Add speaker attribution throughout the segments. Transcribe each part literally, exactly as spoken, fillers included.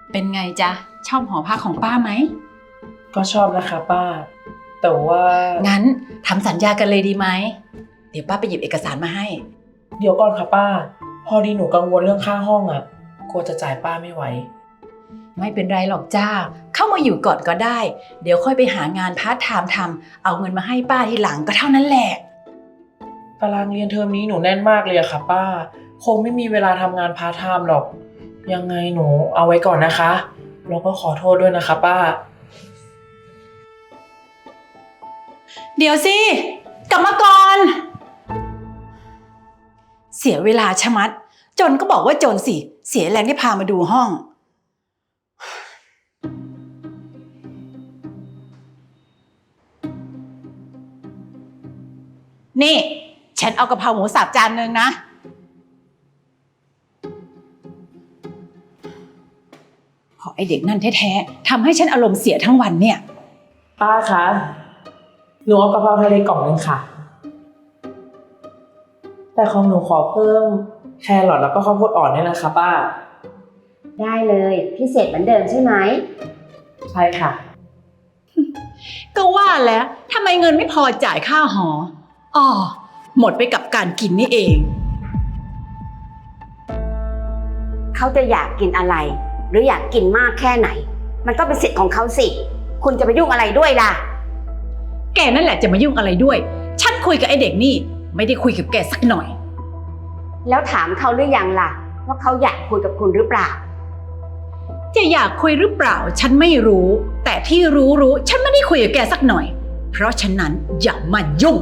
Speaker 1: เป็นไงจ๊ะชอบหอพักของป้าไหม
Speaker 2: ก็ชอบนะคะป้าแต่ว่า
Speaker 1: งั้นทำสัญญากันเลยดีไหมเดี๋ยวป้าไปหยิบเอกสารมาให้
Speaker 2: เดี๋ยวก่อนค่ะป้าพอดีหนูกังวลเรื่องค่าห้องอ่ะกลัวจะจ่ายป้าไม่ไหว
Speaker 1: ไม่เป็นไรหรอกจ้าเข้ามาอยู่ก่อนก็ได้เดี๋ยวค่อยไปหางานพาร์ทไทม์ทำเอาเงินมาให้ป้าทีหลังก็เท่านั้นแหละ
Speaker 2: ตารางเรียนเทอมนี้หนูแน่นมากเลยอะค่ะป้าคงไม่มีเวลาทำงานพาร์ทไทม์หรอกยังไงหนูเอาไว้ก่อนนะคะแล้วก็ขอโทษด้วยนะคะป้า
Speaker 1: เดี๋ยวสิกลับมาก่อนเสียเวลาชะมัดจนก็บอกว่าจนสิเสียแรงที่พามาดูห้องนี่ฉันเอากะเพราหมูสับจานนึงนะพอไอเด็กนั่นแท้ๆทำให้ฉันอารมณ์เสียทั้งวันเนี่ย
Speaker 2: ป้าคะหนูเอากะเพราทะเลกล่องนึงค่ะแต่ของหนูขอเพิ่มแครอทแล้วก็ข้าวโพดอ่อนด้วยนะคะป้า
Speaker 3: ได้เลยพิเศษเหมือนเดิมใช่ไหม
Speaker 2: ใช่ค่ะ
Speaker 1: ก็ว่าแล้วทำไมเงินไม่พอจ่ายค่าหออ๋อหมดไปกับการกินนี่เอง
Speaker 3: เขาจะอยากกินอะไรหรืออยากกินมากแค่ไหนมันก็เป็นสิทธิ์ของเขาสิคุณจะไปยุ่งอะไรด้วยล่ะ
Speaker 1: แกนั่นแหละจะมายุ่งอะไรด้วยฉันคุยกับไอเด็กนี่ไม่ได้คุยกับแกสักหน่อย
Speaker 3: แล้วถามเขาหรือยังล่ะว่าเขาอยากคุยกับคุณหรือเปล่า
Speaker 1: จะอยากคุยหรือเปล่าฉันไม่รู้แต่ที่รู้รู้ฉันไม่ได้คุยกับแกสักหน่อยเพราะฉะนั้นอย่ามายุ่ง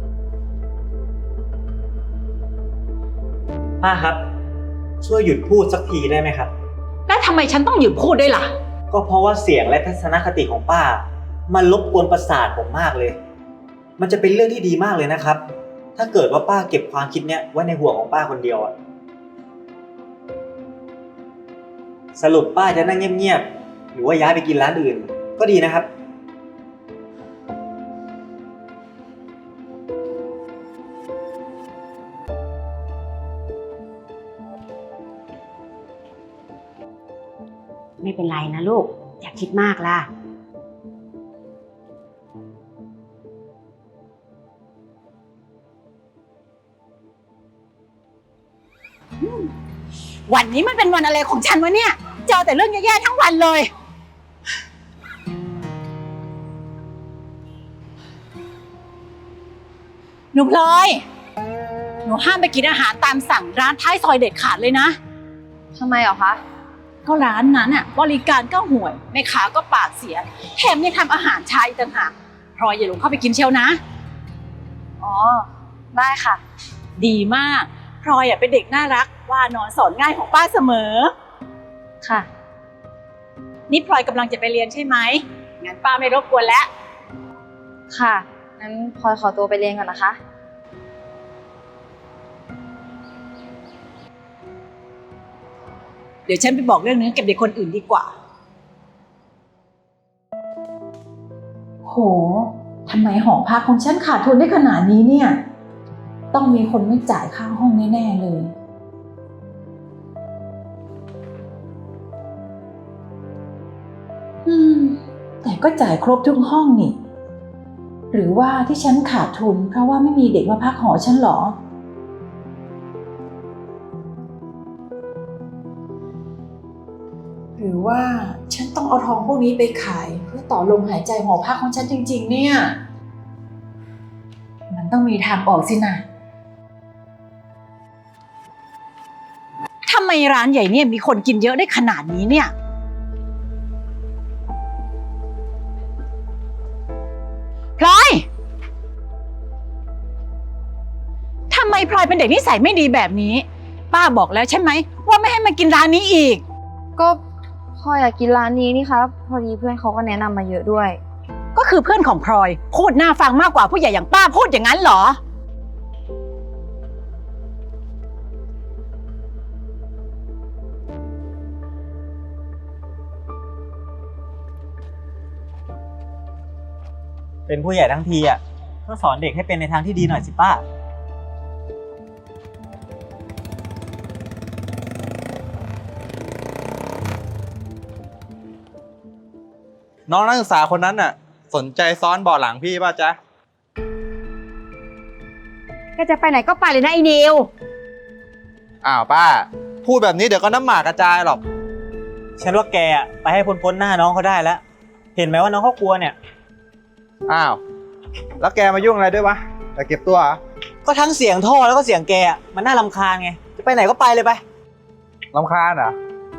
Speaker 4: ป้าครับช่วยหยุดพูดสักทีได้ไหมครับ
Speaker 1: แล้วทำไมฉันต้องหยุดพูดด้วยล่ะ
Speaker 4: ก็เพราะว่าเสียงและทัศนคติของป้ามันรบกวนประสาทผมมากเลยมันจะเป็นเรื่องที่ดีมากเลยนะครับถ้าเกิดว่าป้าเก็บความคิดเนี้ยไว้ในหัวของป้าคนเดียวอะสรุปป้าจะนั่งเงียบๆหรือว่าย้ายไปกินร้านอื่นก็ดีนะครับ
Speaker 3: ไม่เป็นไรนะลูกอย่าคิดมากล่ะ
Speaker 1: วันนี้มันเป็นวันอะไรของฉันวะเนี่ยเจอแต่เรื่องแย่ๆทั้งวันเลยหนูพลอยหนูห้ามไปกินอาหารตามสั่งร้านท้ายซอยเด็ดขาดเลยนะ
Speaker 5: ทำไมเหรอคะ
Speaker 1: ก็ร้านนั้นอ่ะบริการก็ห่วยแม่ค้าก็ปากเสียแถมยังทำอาหารชายต่างหากพลอยอย่าหลงเข้าไปกินเชียวนะ
Speaker 5: อ๋อได้ค่ะ
Speaker 1: ดีมากพลอยอ่ะเป็นเด็กน่ารักว่านอนสอนง่ายของป้าเสมอ
Speaker 5: ค่ะ
Speaker 1: นี่พลอยกำลังจะไปเรียนใช่ไหมงั้นป้าไม่รบกวนแล้ว
Speaker 5: ค่ะงั้นพลอยขอตัวไปเรียนก่อนนะคะ
Speaker 1: เดี๋ยวฉันไปบอกเรื่องนี้กับเด็กคนอื่นดีกว่าโหทำไมหอพักของฉันขาดทุนได้ขนาดนี้เนี่ยต้องมีคนไม่จ่ายค่าห้องแน่ๆเลยอืมแต่ก็จ่ายครบทุกห้องนี่หรือว่าที่ฉันขาดทุนเพราะว่าไม่มีเด็กมาพักหอฉันหรอหรือว่าฉันต้องเอาทองพวกนี้ไปขายเพื่อต่อลมหายใจหอพักของฉันจริงๆเนี่ยมันต้องมีทางออกสินะทำไมร้านใหญ่เนี่ยมีคนกินเยอะได้ขนาดนี้เนี่ยพลอยทำไมพลอยเป็นเด็กนิสัยไม่ดีแบบนี้ป้าบอกแล้วใช่ไหมว่าไม่ให้มากินร้านนี้อีก
Speaker 5: ก็พลอยอยากกินร้านนี้นี่ครับพอดีเพื่อนเขาก็แนะนำมาเยอะด้วย
Speaker 1: ก็คือเพื่อนของพลอยพูดน่าฟังมากกว่าผู้ใหญ่อย่างป้าพูดอย่างนั้นเหรอ
Speaker 4: เป็นผู้ใหญ่ทั้งทีอ่ะก็สอนเด็กให้เป็นในทางที่ดีหน่อยสิป้า
Speaker 6: น้องนักศึกษาคนนั้นน่ะ สนใจซ้อนเบาะหลังพี่ป่ะจ๊ะ
Speaker 3: แกจะไปไหนก็ไปเลยนะไอ้นิว
Speaker 6: อ้าวป้า พูดแบบนี้เดี๋ยวก็น้ำหมากกระจายหรอก
Speaker 4: ฉันว่าแกอะไปให้พ้นพ้นหน้าน้องเขาได้แล้ว เห็นไหมว่าน้องเขากลัวเนี่ย
Speaker 6: อ้าว แล้วแกมายุ่งอะไรด้วยวะจะเก็บตัวเหรอ
Speaker 4: ก็ทั้งเสียงท่อแล้วก็เสียงแกอะมันน่ารำคาญไง จะไปไหนก็ไปเลยไป
Speaker 6: รำคาญเหรอ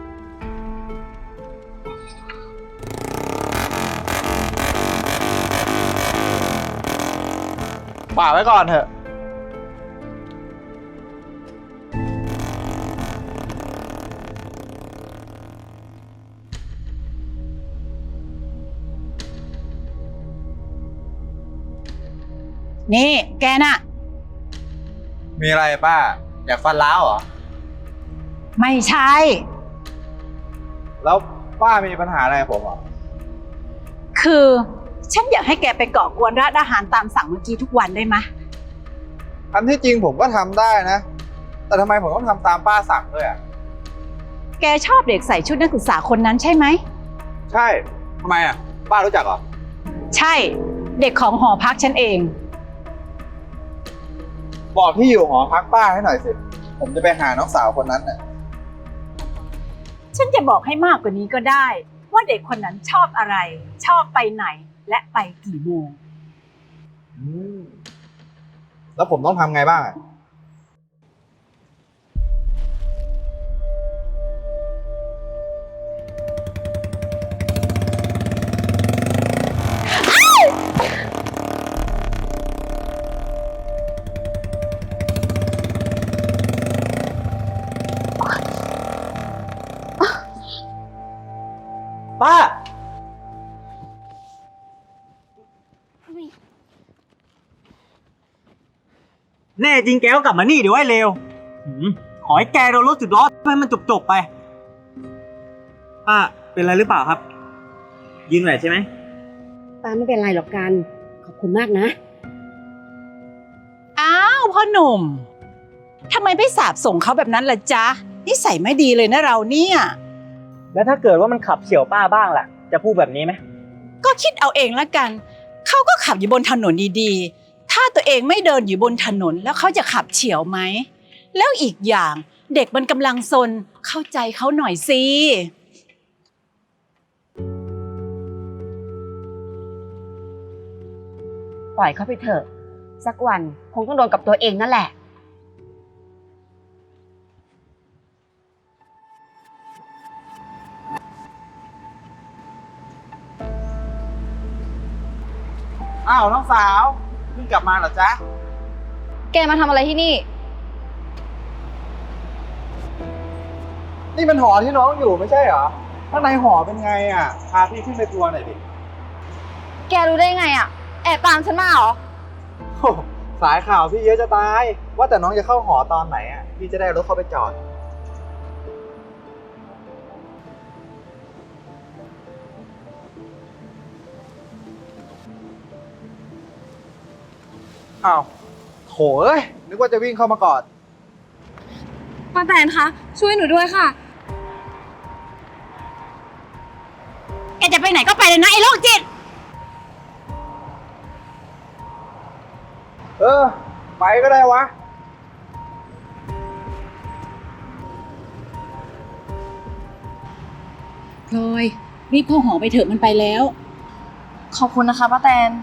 Speaker 6: ป่าไว้ก่อนเถอะ
Speaker 1: นี่แกน่ะ
Speaker 6: มีอะไรป้า อยากฟันล้าวเหรอ
Speaker 1: ไม่ใช่
Speaker 6: แล้วป้ามีปัญหาอะไรกับผมเหรอ
Speaker 1: คือฉันอยากให้แกไปก่อกวนร้านอาหารตามสั่งเมื่อกี้ทุกวันได้ไหม
Speaker 6: อันที่จริงผมก็ทำได้นะ แต่ทำไมผมต้องทำตามป้าสั่งด้วยอ่ะ
Speaker 1: แกชอบเด็กใส่ชุดนักศึกษาคนนั้นใช่ไหม
Speaker 6: ใช่ ทำไมอ่ะ ป้ารู้จักเหรอ
Speaker 1: ใช่ เด็กของหอพักฉันเอง
Speaker 6: บอกที่อยู่หอพักป้าให้หน่อยสิ ผมจะไปหาน้องสาวคนนั้นน่ะ
Speaker 1: ฉันจะบอกให้มากกว่านี้ก็ได้ ว่าเด็กคนนั้นชอบอะไร ชอบไปไหนและไปกี่โมง
Speaker 6: อืม แล้วผมต้องทำไงบ้างอะ
Speaker 4: ป้า แน่จริงแกก็กลับมานี่เดี๋ยวไอ้เลวหืมขอให้แกโดนรถสิบล้อให้มันจบๆไป ป้า เป็นอะไรหรือเปล่าครับ ยืนไหวใช่ไหม
Speaker 3: ป้าไม่เป็นไรหรอกกัน ขอบคุณมากนะ
Speaker 1: อ้าวพ่อหนุ่มทำไมไม่สาบส่งเขาแบบนั้นล่ะจ๊ะนิสัยไม่ดีเลยนะเราเนี่ย
Speaker 4: แล้วถ้าเกิดว่ามันขับเฉี่ยวป้าบ้างล่ะ จะพูดแบบนี้ไหม
Speaker 1: ก็คิดเอาเองละกัน เขาก็ขับอยู่บนถนนดีๆ ถ้าตัวเองไม่เดินอยู่บนถนนแล้วเขาจะขับเฉี่ยวไหม แล้วอีกอย่างเด็กมันกำลังซนเข้าใจเขาหน่อยสิ
Speaker 3: ปล่อยเขาไปเถอะ สักวันคงต้องโดนกับตัวเองนั่นแหละ
Speaker 6: อ้าวน้องสาวเพิ่งกลับมาเหรอจ๊ะ
Speaker 5: แกมาทำอะไรที่นี่
Speaker 6: นี่มันหอที่น้องอยู่ไม่ใช่เหรอ ข้างในหอเป็นไงอ่ะ พาพี่ขึ้นไปทัวร์หน่อยดิ
Speaker 5: แกรู้ได้ไงอะแอบตามฉันมาเหรอ
Speaker 6: โอ้โหสายข่าวพี่เยอะจะตาย ว่าแต่น้องจะเข้าหอตอนไหนอ่ะ พี่จะได้เอารถเข้าไปจอด อ้าวโถเอ้ย นึกว่าจะวิ่งเข้ามากอด
Speaker 5: ป้าแตนคะ ช่วยหนูด้วยค่ะ
Speaker 1: แกจะไปไหนก็ไปเลยนะไอ้โรคจิต
Speaker 6: เออ ไปก็ได้วะ
Speaker 1: พลอยรีบเข้าหอไปเถอะมันไปแล้ว
Speaker 5: ขอบคุณนะคะป้าแตน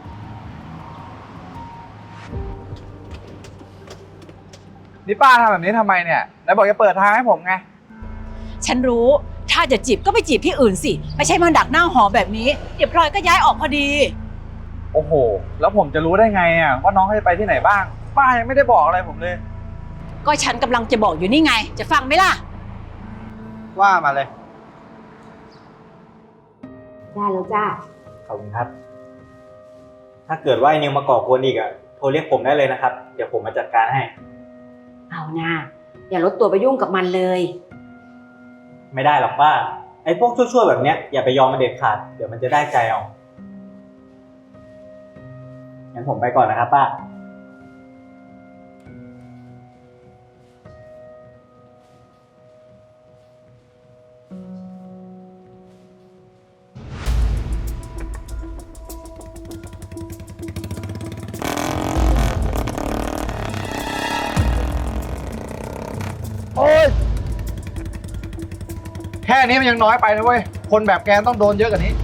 Speaker 6: นี่ป้าทำแบบนี้ทำไมเนี่ยไหนบอกจะเปิดทางให้ผมไง
Speaker 1: ฉันรู้ถ้าจะจีบก็ไปจีบที่อื่นสิ ไม่ใช่มาดักหน้าหอแบบนี้ เดี๋ยวพลอยก็ย้ายออกพอดี
Speaker 6: โอ้โห แล้วผมจะรู้ได้ไงอ่ะว่าน้องเขาจะไปที่ไหนบ้าง ป้ายังไม่ได้บอกอะไรผมเลย
Speaker 1: ก็ฉันกำลังจะบอกอยู่นี่ไง จะฟังไหมล่ะ
Speaker 6: ว่ามาเลย
Speaker 3: ได้แล้วจ้า
Speaker 4: ขอบคุณครับ ถ้าเกิดว่าไอ้นิวมาก่อกวนอีกอะโทรเรียกผมได้เลยนะครับ เดี๋ยวผมมาจัดการให้
Speaker 3: เอานะ อย่าลดตัวไปยุ่งกับมันเลย
Speaker 4: ไม่ได้หรอกป้า ไอ้พวกชั่วๆแบบเนี้ยอย่าไปยอมมันเด็ดขาด เดี๋ยวมันจะได้ใจเอา งั้นผมไปก่อนนะครับป้า
Speaker 6: อ้ยแค่นี้มันยังน้อยไปนะเว้ย คนแบบแกต้องโดนเยอะกว่านี้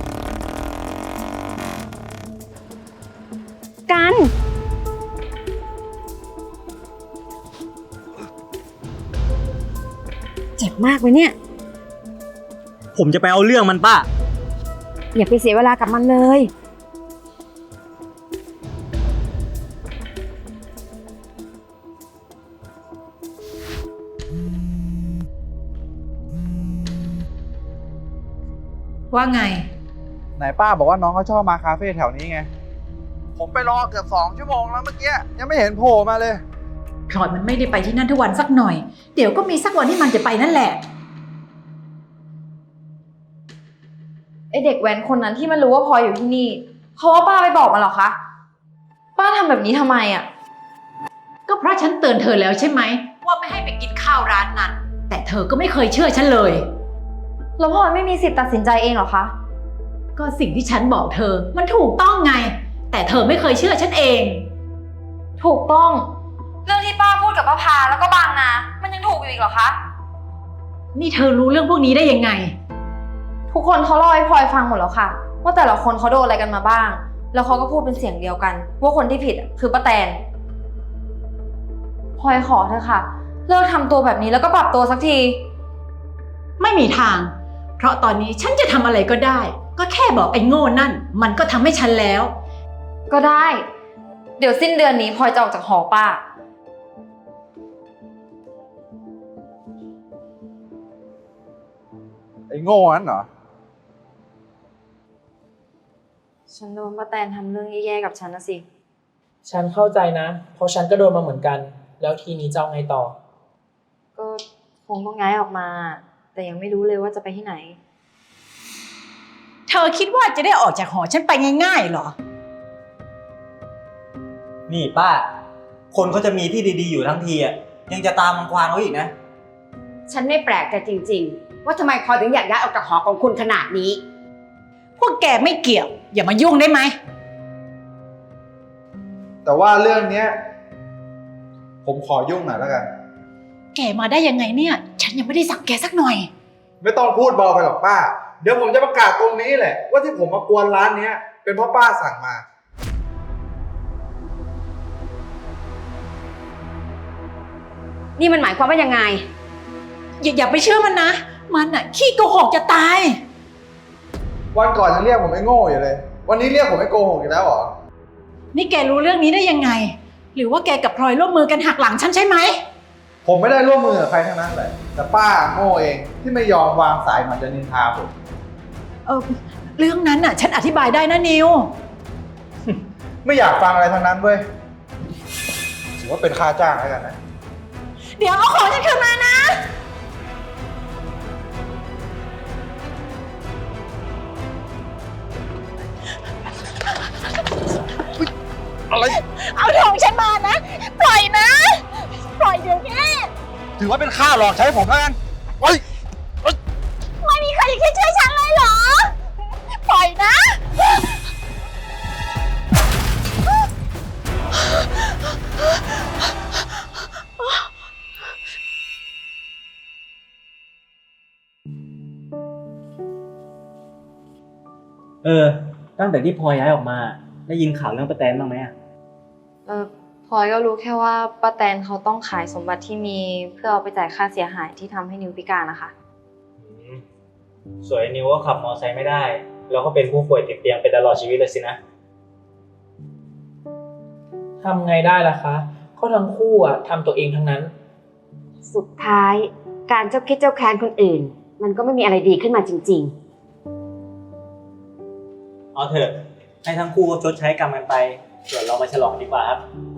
Speaker 3: กัน เจ็บมากไหมเนี่ย
Speaker 4: ผมจะไปเอาเรื่องมันป้า
Speaker 3: อย่าไปเสียเวลากับมันเลย
Speaker 1: ว่าไง
Speaker 6: ไหนป้าบอกว่าน้องเขาชอบมาคาเฟ่แถวนี้ไง ผมไปรอเกือบสองชั่วโมงแล้วเมื่อกี้ ยังไม่เห็นโผล่มาเลย
Speaker 1: พลอยมันไม่ได้ไปที่นั่นทุกวันสักหน่อย เดี๋ยวก็มีสักวันที่มันจะไปนั่นแหละ
Speaker 5: ไอเด็กแว้นคนนั้นที่มันรู้ว่าพลอยอยู่ที่นี่เพราะว่าป้าไปบอกมันเหรอคะ ป้าทำแบบนี้ทำไมอ่ะ
Speaker 1: ก็เพราะฉันเตือนเธอแล้วใช่ไหมว่าไม่ให้ไปกินข้าวร้านนั้น แต่เธอก็ไม่เคยเชื่อฉันเลย
Speaker 5: แล้วพลอยไม่มีสิทธิ์ตัดสินใจเองเหรอคะ
Speaker 1: ก็สิ่งที่ฉันบอกเธอมันถูกต้องไง แต่เธอไม่เคยเชื่อฉันเอง
Speaker 5: ถูกต้อง เรื่องที่ป้าพูดกับป้าพาแล้วก็บางนา มันยังถูกอยู่อีกเหรอคะ
Speaker 1: นี่เธอรู้เรื่องพวกนี้ได้ยังไง
Speaker 5: ทุกคนเขาเล่าให้พลอยฟังหมดแล้วค่ะ ว่าแต่ละคนเขาโดนอะไรกันมาบ้าง แล้วเขาก็พูดเป็นเสียงเดียวกัน ว่าคนที่ผิดอะคือป้าแตนพลอยขอเถอะค่ะ เลิกทำตัวแบบนี้แล้วก็ปรับตัวสักที
Speaker 1: ไม่มีทาง เพราะตอนนี้ฉันจะทำอะไรก็ได้ ก็แค่บอกไอ้โง่นั่น มันก็ทำให้ฉันแล้ว
Speaker 5: ก็ได้ เดี๋ยวสิ้นเดือนนี้พลอยจะออกจากหอป้า
Speaker 6: ไอ้โง่นั้นเหรอ
Speaker 5: ฉันโดนป้าแตนทำเรื่องแย่ๆกับฉันนะสิ
Speaker 2: ฉันเข้าใจนะ เพราะฉันก็โดนมาเหมือนกัน แล้วทีนี้จะเอาไงต่อ
Speaker 5: ก็คงต้องย้ายออกมา แต่ยังไม่รู้เลยว่าจะไปที่ไหน
Speaker 1: เธอคิดว่าจะได้ออกจากหอฉันไปง่ายๆเหรอ
Speaker 4: นี่ป้า คนเขาจะมีที่ดีๆอยู่ทั้งทีอ่ะ ยังจะตามรังควานเขาอีกนะ
Speaker 3: ฉันไม่แปลกใจจริงๆ ว่าทำไมพลอยถึงอยากย้ายออกจากหอของคุณขนาดนี้
Speaker 1: พวกแกไม่เกี่ยว อย่ามายุ่งได้ไหม
Speaker 6: แต่ว่าเรื่องเนี้ย ผมขอยุ่งหน่อยแล้วกัน
Speaker 1: แกมาได้ยังไงเนี่ย ฉันยังไม่ได้สั่งแกสักหน่อย
Speaker 6: ไม่ต้องพูดเบาไปหรอกป้า เดี๋ยวผมจะประกาศตรงนี้แหละ ว่าที่ผมมากวนร้านเนี้ย เป็นเพราะป้าสั่งมา
Speaker 3: นี่มันหมายความว่ายังไง
Speaker 1: อย่าอย่าไปเชื่อมันนะ มันอะขี้โกหกจะตาย
Speaker 6: วันก่อนยังเรียกผมไอ้โง่อยู่เลย วันนี้เรียกผมไอ้โกหกอีกแล้วเหรอ
Speaker 1: นี่แกรู้เรื่องนี้ได้ยังไง หรือว่าแกกับพลอยร่วมมือกันหักหลังฉันใช่ไหม
Speaker 6: ผมไม่ได้ร่วมมือกับใครทั้งนั้นเลย แต่ป้าโง่เองที่ไม่ยอมวางสายมันจะนินทาผม
Speaker 1: เออเรื่องนั้นน่ะ ฉันอธิบายได้นะนิว
Speaker 6: ไม่อยากฟังอะไรทั้งนั้นเว้ย ถือว่าเป็นค่าจ้างแล้วกันนะ
Speaker 1: เดี๋ยวเอาของฉันคืนมานะ
Speaker 6: อะไร
Speaker 1: เอาทองฉันมานะ ปล่อยนะ ปล่อยเดี๋ยวนี้
Speaker 6: ถือว่าเป็นค่าหลอกใช้ผมแล้วกันเฮ้ย
Speaker 1: ไม่มีใครคิดช่วยฉันเลยเหรอ ปล่อยนะ
Speaker 4: เออ ตั้งแต่ที่พลอยย้ายออกมา ได้ยินข่าวเรื่องป้าแตนบ้างไหมอ่ะ
Speaker 5: เออพลอยก็รู้แค่ว่าป้าแตนเขาต้องขายสมบัติที่มีเพื่อเอาไปจ่ายค่าเสียหายที่ทำให้นิวพิการนะคะ
Speaker 4: สวยนิวก็ขับมอเตอร์ไซค์ไม่ได้ แล้วก็เป็นผู้ป่วยติดเตียงไปตลอดชีวิตเลยสินะ
Speaker 2: ทำไงได้ล่ะคะ ก็ทั้งคู่อ่ะทำตัวเองทั้งนั้น
Speaker 3: สุดท้ายการเจ้าคิดเจ้าแค้นคนอื่น มันก็ไม่มีอะไรดีขึ้นมาจริง
Speaker 4: เอาเถอะ ให้ทั้งคู่ชดใช้กรรมกันไป ส่วนเรามาฉลองดีกว่าครับ
Speaker 3: ๆ